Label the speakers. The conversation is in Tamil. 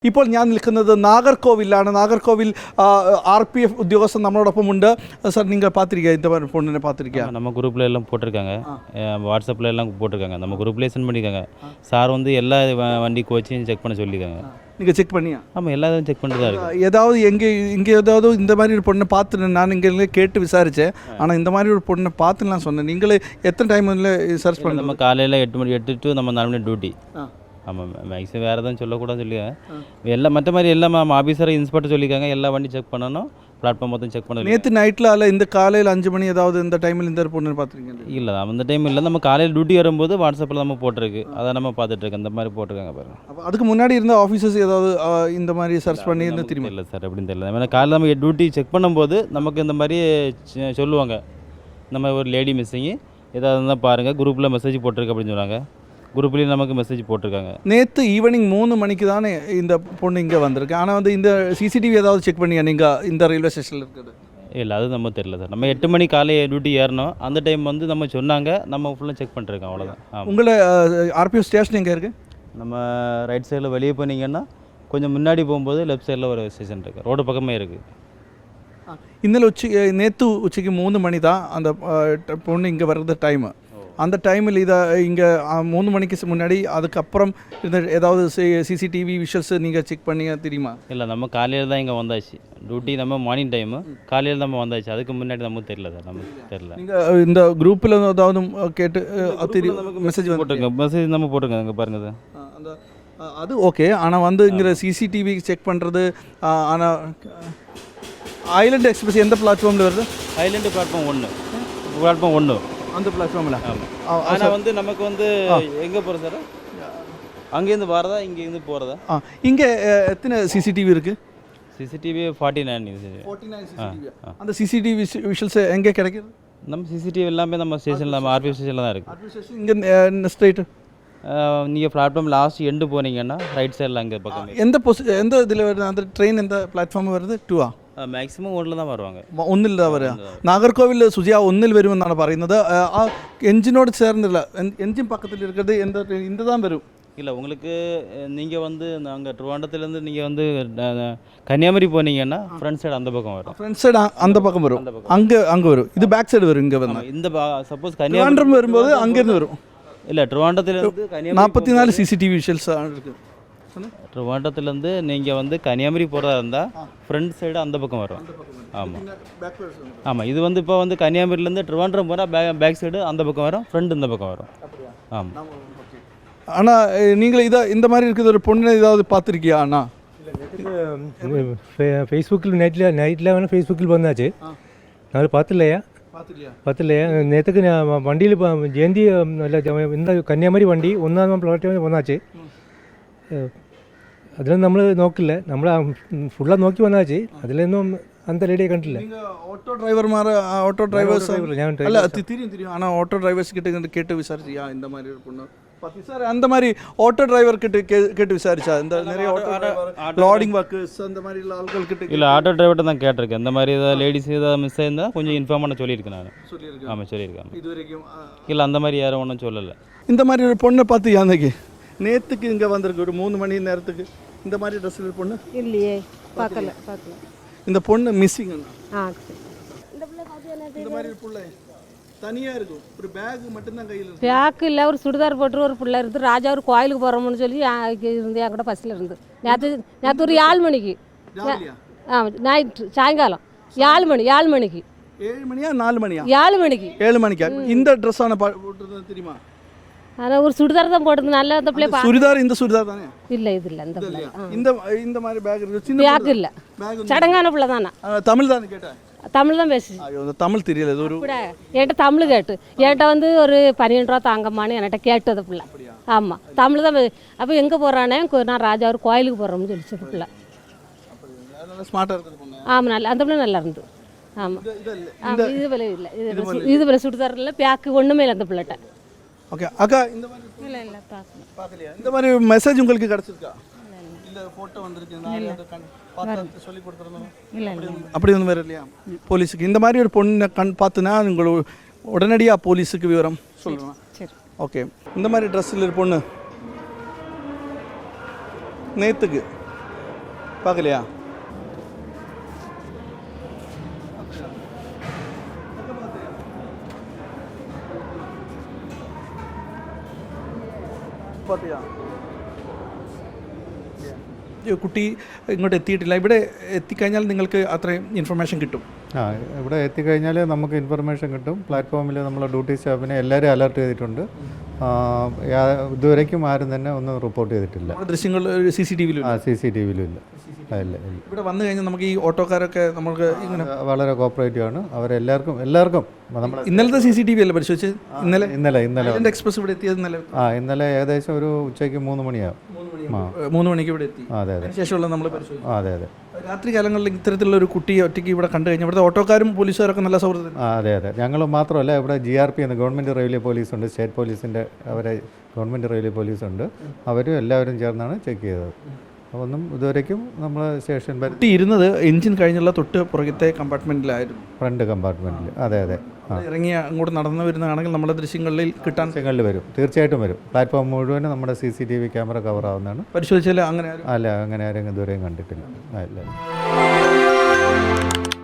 Speaker 1: ഇപ്പോൾ ഞാൻ നിൽക്കുന്നത് നാഗർകോവിലാണ്. നാഗർകോവിൽ RPF ഉദ്യോഗസ്ഥൻ നമ്മളോടൊപ്പമുണ്ട്. சார் நீங்கள் பார்த்துருக்கீங்க இந்த மாதிரி பொண்ணு பார்த்துருக்கீங்க?
Speaker 2: நம்ம குரூப்பில் எல்லாம் போட்டிருக்காங்க, வாட்ஸ்அப்பில் எல்லாம் போட்டிருக்காங்க, நம்ம குரூப்லேயே சென்ட் பண்ணியிருக்காங்க. சார் வந்து எல்லா வண்டி கோச்சையும் செக் பண்ண சொல்லியிருக்காங்க. நீங்கள் செக் பண்ணியா? ஆமாம், எல்லாத்தையும் செக் பண்ணிட்டு தான் இருக்கு.
Speaker 1: ஏதாவது இங்கே ஏதாவது இந்த மாதிரி ஒரு பொண்ணை பார்த்து நான் இங்கே கேட்டு விசாரித்தேன். ஆனால் இந்த மாதிரி ஒரு பொண்ணை பார்த்துலாம் சொன்னேன். நீங்களே எத்தனை டைம் சர்ச் பண்ண?
Speaker 2: நம்ம காலையில் 8 to நம்ம 4 மணி டியூட்டி. ஆமாம், மேக்ஸிமம் வேறு எதுவும் சொல்லக்கூடாதுன்னு சொல்லியிருக்காங்க. எல்லாம் மற்ற மாதிரி எல்லாம் ஆஃபீஸரை இன்ஸ்பெக்டர் சொல்லியிருக்காங்க. எல்லா வண்டி செக் பண்ணணும், பிளாட்ஃபார்ம் மொத்தம் செக் பண்ணணும்.
Speaker 1: நேற்று நைட்டில் அல்ல இந்த காலையில் 5 மணி ஏதாவது இந்த டைமில் இந்த பொண்ணு பார்த்துருக்கீங்க?
Speaker 2: இல்லை, அந்த டைம் இல்லை. நம்ம காலையில் டியூட்டி வரும்போது வாட்ஸ்அப்பில் நம்ம போட்டிருக்கு, அதை நம்ம பார்த்துட்ருக்கோம். இந்த மாதிரி போட்டிருக்காங்க பாருங்க.
Speaker 1: அப்போ அதுக்கு முன்னாடி இருந்த ஆஃபீஸர்ஸ் ஏதாவது இந்த மாதிரி சர்ச் பண்ணி இருந்து திரும்பி?
Speaker 2: இல்லை சார், அப்படின்னு தெரியல. ஏன்னா காலையில் நம்ம டியூட்டி செக் பண்ணும்போது நமக்கு இந்த மாதிரி சொல்லுவாங்க, இந்த மாதிரி ஒரு லேடி மிஸ்ஸிங்கு ஏதாவது இருந்தால் பாருங்கள், குரூப்பில் மெசேஜ் போட்டிருக்கு அப்படின்னு சொன்னாங்க. குரூப்லேயும் நமக்கு மெசேஜ் போட்டிருக்காங்க.
Speaker 1: நேற்று ஈவினிங் 3 மணிக்கு தானே இந்த பொண்ணு இங்கே வந்திருக்கு. ஆனால் வந்து இந்த சிசிடிவி ஏதாவது செக் பண்ணியா நீங்கள் இந்த ரயில்வே ஸ்டேஷனில் இருக்குது?
Speaker 2: இல்லை, அது நம்ம தெரியல சார். நம்ம 8 மணி காலை டியூட்டி ஏறணும். அந்த டைம் வந்து நம்ம சொன்னாங்க, நம்ம ஃபுல்லாக செக் பண்ணிருக்கோம், அவ்வளோதான்.
Speaker 1: உங்களை RPF ஸ்டேஷன் எங்கே இருக்குது?
Speaker 2: நம்ம ரைட் சைடில் வெளியே போனீங்கன்னா கொஞ்சம் முன்னாடி போகும்போது லெஃப்ட் சைடில் ஒரு ஸ்டேஷன் இருக்குது, ரோடு பக்கமே இருக்குது.
Speaker 1: நேற்று உச்சிக்கு 3 மணி தான் அந்த பொண்ணு இங்கே வர்றது டைமு. அந்த டைமில் இதை இங்கே 3 மணிக்கு முன்னாடி அதுக்கப்புறம் இந்த ஏதாவது சிசிடிவி விஷுவல்ஸ் நீங்கள் செக் பண்ணிங்க தெரியுமா?
Speaker 2: இல்லை, நம்ம காலையில் தான் இங்கே வந்தாச்சு. டியூட்டி நம்ம மார்னிங் டைமு, காலையில் நம்ம வந்தாச்சு. அதுக்கு முன்னாடி நமக்கு தெரியல சார், நமக்கு தெரியல.
Speaker 1: நீங்கள் இந்த குரூப்பில் ஏதாவது கேட்டு தெரியும்? நமக்கு மெசேஜ்
Speaker 2: போட்டிருக்கோம், மெசேஜ் நம்ம போட்டிருக்கோம். இங்கே பாருங்கள் சார்,
Speaker 1: அந்த அது ஓகே. ஆனால் வந்து இங்கே சிசிடிவி செக் பண்ணுறது. ஆனால் ஐலண்ட் எக்ஸ்பிரஸ் எந்த பிளாட்ஃபார்மில் வருது?
Speaker 2: ஐலண்டு பிளாட்ஃபார்ம் 1
Speaker 1: அந்த பிளாட்ஃபார்மில்.
Speaker 2: ஆனால் வந்து நமக்கு வந்து எங்கே போகிறோம் சார்? அங்கேருந்து வரதா, இங்கேருந்து போகிறதா?
Speaker 1: இங்கே எத்தனை சிசிடிவி இருக்குது?
Speaker 2: CCTV 49
Speaker 1: CCTV. அந்த சிசிடிவி விஷுவல்ஸ் எங்கே கிடைக்குது?
Speaker 2: நம்ம சிசிடிவி எல்லாமே நம்ம ஸ்டேஷனில், நம்ம RPF ஸ்டேஷனில் தான் இருக்குது.
Speaker 1: இங்கே ஸ்ட்ரைட்டு
Speaker 2: நீங்கள் பிளாட்ஃபார்ம் லாஸ்ட் எண்டு போனீங்கன்னா ரைட் சைடில் அங்கே பக்கம்.
Speaker 1: எந்த இதில் வருது அந்த ட்ரெயின்? எந்த பிளாட்ஃபார்ம் வருது? 2
Speaker 2: മാക്സിമം 1 தான் வருவாங்க.
Speaker 1: 1 தான் വരിക. നാഗർകോവിൽ സുജിയ 1 വരുമെന്നാണ് പറയുന്നത്. ആ എഞ്ചിനോട് ചേർന്നില്ല, എഞ്ചിൻ പക്കത്തിൽ இருக்கிறது இந்த தான் வரும்.
Speaker 2: இல்லை, உங்களுக்கு நீங்கள் வந்து நாங்கள் ட்ரிவாண்டத்துலேருந்து நீங்கள் வந்து கன்னியாகுமரி போனீங்கன்னா ஃப்ரண்ட் சைடு அந்த பக்கம் வரும்.
Speaker 1: ஃப்ரண்ட் சைடு அந்த பக்கம் வரும், அங்கே வரும். இது பேக் சைடு வரும். இங்கே வந்து
Speaker 2: இந்த சப்போஸ்
Speaker 1: கன்னியாகுமரி வரும்போது அங்கேருந்து வரும்.
Speaker 2: இல்லை, ட்ரிவாண்டத்துலேருந்து
Speaker 1: 44 சிசிடிவி விஷுவல்ஸ் இருக்குது.
Speaker 2: ட்ரிவாண்டத்துலேருந்து நீங்கள் வந்து கன்னியாகுமரி போகிறதா இருந்தால் ஃப்ரண்ட் சைடு அந்த பக்கம் வரும். ஆமாம் ஆமாம், இது வந்து இப்போ வந்து கன்னியாகுமரியிலேருந்து ட்ரிவாண்ட்ரம் போனால் பேக் சைடு அந்த பக்கம் வரும், ஃப்ரண்ட் இந்த பக்கம் வரும். ஆமாம்.
Speaker 1: ஆனால் நீங்கள் இந்த மாதிரி இருக்கிற ஒரு பொண்ணு ஏதாவது பார்த்துருக்கியா? அண்ணா
Speaker 3: ஃபேஸ்புக்கில் நைட்டில் வேணால் ஃபேஸ்புக்கில் வந்தாச்சு. நான் பார்த்துலையா நேற்றுக்கு நான் வண்டியில் ஜெயந்தி இந்த கன்னியாகுமரி வண்டி 1ஆம் പ്ലാറ്റ്ഫോമിൽ വന്നാச்சு. അതിലൊന്നും നമ്മൾ നോക്കില്ല, നമ്മൾ ഫുള്ളാக നോക്കി വന്നാச்சு. അതിലൊന്നും அந்த லேடியை கண்டில்ல.
Speaker 1: ஓட்டோ டிரைவர்ஸ் அல்ல தெரியும். ஆனால் ஆட்டோ டிரைவர்ஸ் கிட்ட கேட்டு விசாரிச்சியா இந்த மாதிரி ஒரு பொண்ணு பார்த்து? சார், அந்த மாதிரி ஆட்டோ டிரைவர் கிட்ட கேட்டு விசாரிச்சா? இந்த நிறைய லோடிங் ஒர்க்கர்ஸ் அந்த மாதிரி ஆட்கள் கிட்ட?
Speaker 2: இல்லை, ஆட்டோ டிரைவர்கிட்ட தான் கேட்டிருக்கேன். இந்த மாதிரி ஏதாவது லேடிஸ் ஏதாவது மிஸ் ஆயிருந்தால் கொஞ்சம் இன்ஃபார்ம் பண்ண சொல்லியிருக்கேன் நான். ஆமாம், சொல்லியிருக்கேன்.
Speaker 1: இது வரைக்கும்
Speaker 2: இல்லை, அந்த மாதிரி யாரும் ஒன்றும் சொல்லலை.
Speaker 1: இந்த மாதிரி ஒரு பொண்ணை பார்த்து அன்னைக்கு நேற்றுக்கு இங்கே வந்திருக்கு ஒரு 3 மணி நேரத்துக்கு இந்த மாதிரி ட்ரெஸ்ஸில் பொண்ணு
Speaker 4: இல்லையே, பார்க்கல.
Speaker 1: இந்த பொண்ணு மிஸ்ஸிங்.
Speaker 4: இந்த
Speaker 1: மாதிரி பிள்ளை தனியாக இருக்கும், ஒரு பேக் மட்டும்தான் கையில் இருக்கு.
Speaker 4: பேக்கு இல்லை, ஒரு சுடிதார் போட்டு ஒரு பிள்ளை இருந்து ராஜா ஒரு கோயிலுக்கு போகிறோம்னு சொல்லி இருந்து என் கூட பஸ்ஸில் இருந்து நேற்று ஒரு 7 மணிக்கு. நைட்டு சாயங்காலம் 7 மணிக்கு.
Speaker 1: 7 மணியா 4 மணியா?
Speaker 4: 7 மணிக்கு.
Speaker 1: 7 மணிக்கா? இந்த ட்ரெஸ் ஆனால் போட்டுருந்தது தெரியுமா?
Speaker 4: ஆனால் ஒரு சுடிதார் தான் போட்டது. நல்லா அந்த பிள்ளை
Speaker 1: சுடிதார். இந்த சுடிதார் தானே?
Speaker 4: இல்லை, இது இல்லை. இந்த பிள்ளை
Speaker 1: இந்த மாதிரி பேக் இருக்கு. சின்ன
Speaker 4: பேக் இல்லை, சடங்கான பிள்ளை தானே.
Speaker 1: தமிழ் தானே கேட்டேன்?
Speaker 4: தமிழ் தான் பேசி.
Speaker 1: தமிழ் தெரியல. இது ஒரு
Speaker 4: என்கிட்ட தமிழ் கேட்டு என்கிட்ட வந்து ஒரு 12 ரூபா தாங்கம்மான்னு என்கிட்ட கேட்டது பிள்ளை. ஆமாம், தமிழ் தான். அப்போ எங்கே போகிறானே? நான் ராஜா ஒரு கோயிலுக்கு போகிறோம்னு சொல்லிச்சு பிள்ளை.
Speaker 1: ஸ்மார்ட்டாக இருக்குது.
Speaker 4: ஆமாம், நல்லா. அந்த பிள்ளை நல்லா இருந்து. ஆமாம். இது போல இல்லை, இது போல சுடிதார் இல்லை, பேக்கு ஒன்றுமே இல்லை அந்த பிள்ளைகிட்ட.
Speaker 1: ஓகே அக்கா, இந்த மாதிரி
Speaker 4: இல்லை
Speaker 1: பார்க்கலையா? இந்த மாதிரி மெசேஜ் உங்களுக்கு கிடச்சிருக்கா? இல்லை, ஃபோட்டோ வந்திருக்கு, சொல்லி கொடுத்துருந்தோம்.
Speaker 4: இல்லை,
Speaker 1: அப்படி ஒன்றும் வேறு இல்லையா? போலீஸுக்கு இந்த மாதிரி ஒரு பொண்ணை பார்த்துனா உங்களுக்கு உடனடியாக போலீஸுக்கு விவரம் சொல்லுவேன்.
Speaker 4: சரி,
Speaker 1: ஓகே. இந்த மாதிரி ட்ரெஸ்ஸில் ஒரு பொண்ணு நேற்றுக்கு பார்க்கலையா? பார்த்தியா? ഈ കുട്ടി ഇങ്ങോട്ട് എത്തിയിട്ടില്ല. ഇവിടെ എത്തിക്കഴിഞ്ഞാൽ നിങ്ങൾക്ക് അത്രയും ഇൻഫർമേഷൻ കിട്ടും.
Speaker 5: ഇവിടെ എത്തിക്കഴിഞ്ഞാൽ നമുക്ക് ഇൻഫർമേഷൻ കിട്ടും. പ്ലാറ്റ്ഫോമിൽ നമ്മൾ ഡ്യൂട്ടി സ്റ്റാഫിനെ എല്ലാവരും അലർട്ട് ചെയ്തിട്ടുണ്ട്. ഇതുവരേക്കും ആരും തന്നെ ഒന്നും റിപ്പോർട്ട് ചെയ്തിട്ടില്ല.
Speaker 1: ദൃശ്യങ്ങൾ CCTV ഇല്ല.
Speaker 5: ഇല്ല.
Speaker 1: ഇവിടെ വന്നു കഴിഞ്ഞാൽ നമുക്ക് ഈ ഓട്ടോക്കാരൊക്കെ നമുക്ക് ഇങ്ങനെ
Speaker 5: വളരെ കോപ്പറേറ്റീവ് ആണ്. എല്ലാവർക്കും നമ്മൾ
Speaker 1: ഇന്നലത്തെ CCTV അല്ലേ പരിശോധിച്ചത്?
Speaker 5: ഇന്നലെ
Speaker 1: എക്സ്പ്രസ് ഇവിടെ എത്തിയത്
Speaker 5: ഇന്നലെ ഏകദേശം ഒരു ഉച്ചയ്ക്ക് 3 മണിയാവും.
Speaker 1: 3 മണിക്ക് ഇവിടെ എത്തി.
Speaker 5: അതെ.
Speaker 1: അതിനുശേഷമുള്ള നമ്മൾ പരിശോധിച്ചു.
Speaker 5: അതെ.
Speaker 1: രാത്രി കാലങ്ങളിൽ ഇത്തരത്തിലുള്ള ഒരു കുട്ടിയെ ഒറ്റയ്ക്ക് ഇവിടെ കണ്ടു കഴിഞ്ഞാൽ ഇവിടുത്തെ ഓട്ടോക്കാരും പോലീസുകാരൊക്കെ നല്ല സൗഹൃദം.
Speaker 5: അതെ. ഞങ്ങൾ മാത്രമല്ല, ഇവിടെ GRP എന്ന് ഗവൺമെൻറ് റെയിൽവേ പോലീസുണ്ട്, സ്റ്റേറ്റ് പോലീസിൻ്റെ അവരെ ഗവൺമെൻറ് റെയിൽവേ പോലീസുണ്ട്. അവരും എല്ലാവരും ചേർന്നാണ് ചെക്ക് ചെയ്തത്. ഒന്നും ഇതുവരേക്കും നമ്മൾ സ്റ്റേഷൻ
Speaker 1: കുട്ടി ഇരുന്നത് എഞ്ചിൻ കഴിഞ്ഞുള്ള തൊട്ട് പുറകത്തെ കമ്പാർട്ട്മെൻറ്റിലായിരുന്നു,
Speaker 5: ഫ്രണ്ട് കമ്പാർട്ട്മെൻറ്റിൽ. അതെ.
Speaker 1: ഇറങ്ങി അങ്ങോട്ട് നടന്നു വരുന്നതാണെങ്കിൽ നമ്മുടെ ദൃശ്യങ്ങളിൽ കിട്ടാൻ
Speaker 5: വരും, തീർച്ചയായിട്ടും വരും. പ്ലാറ്റ്ഫോം മുഴുവനും നമ്മുടെ CCTV ക്യാമറ കവർ ആവുന്നതാണ്.
Speaker 1: പരിശോധിച്ചാൽ അങ്ങനെ
Speaker 5: അങ്ങനെ ആരും ഇതുവരെയും കണ്ടിട്ടില്ല.